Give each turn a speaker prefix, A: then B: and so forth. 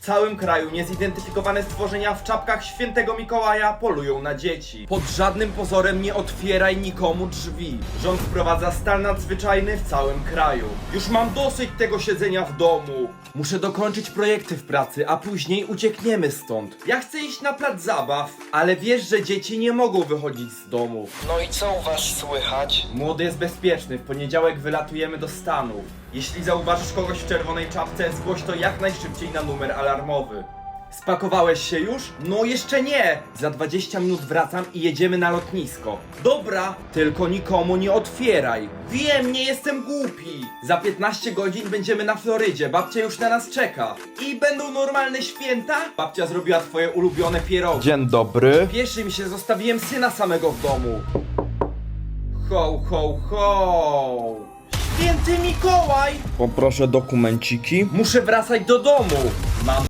A: całym kraju niezidentyfikowane stworzenia w czapkach świętego Mikołaja polują na dzieci. Pod żadnym pozorem nie otwieraj nikomu drzwi. Rząd wprowadza stan nadzwyczajny w całym kraju. Już mam dosyć tego siedzenia w domu. Muszę dokończyć projekty w pracy, a później uciekniemy stąd. Ja chcę iść na plac zabaw, ale wiesz, że dzieci nie mogą wychodzić z domu.
B: No i co u was słychać?
A: Młody jest bezpieczny, w poniedziałek wylatujemy do Stanów. Jeśli zauważysz kogoś w czerwonej czapce, zgłoś to jak najszybciej na numer alarmowy. Spakowałeś się już? No jeszcze nie! Za 20 minut wracam i jedziemy na lotnisko. Dobra, tylko nikomu nie otwieraj. Wiem, nie jestem głupi. Za 15 godzin będziemy na Florydzie, babcia już na nas czeka. I będą normalne święta? Babcia zrobiła twoje ulubione pierogi. Dzień dobry. Pieszy mi się, zostawiłem syna samego w domu. Ho, ho, ho! Święty Mikołaj! Poproszę dokumenciki. Muszę wracać do domu. Mam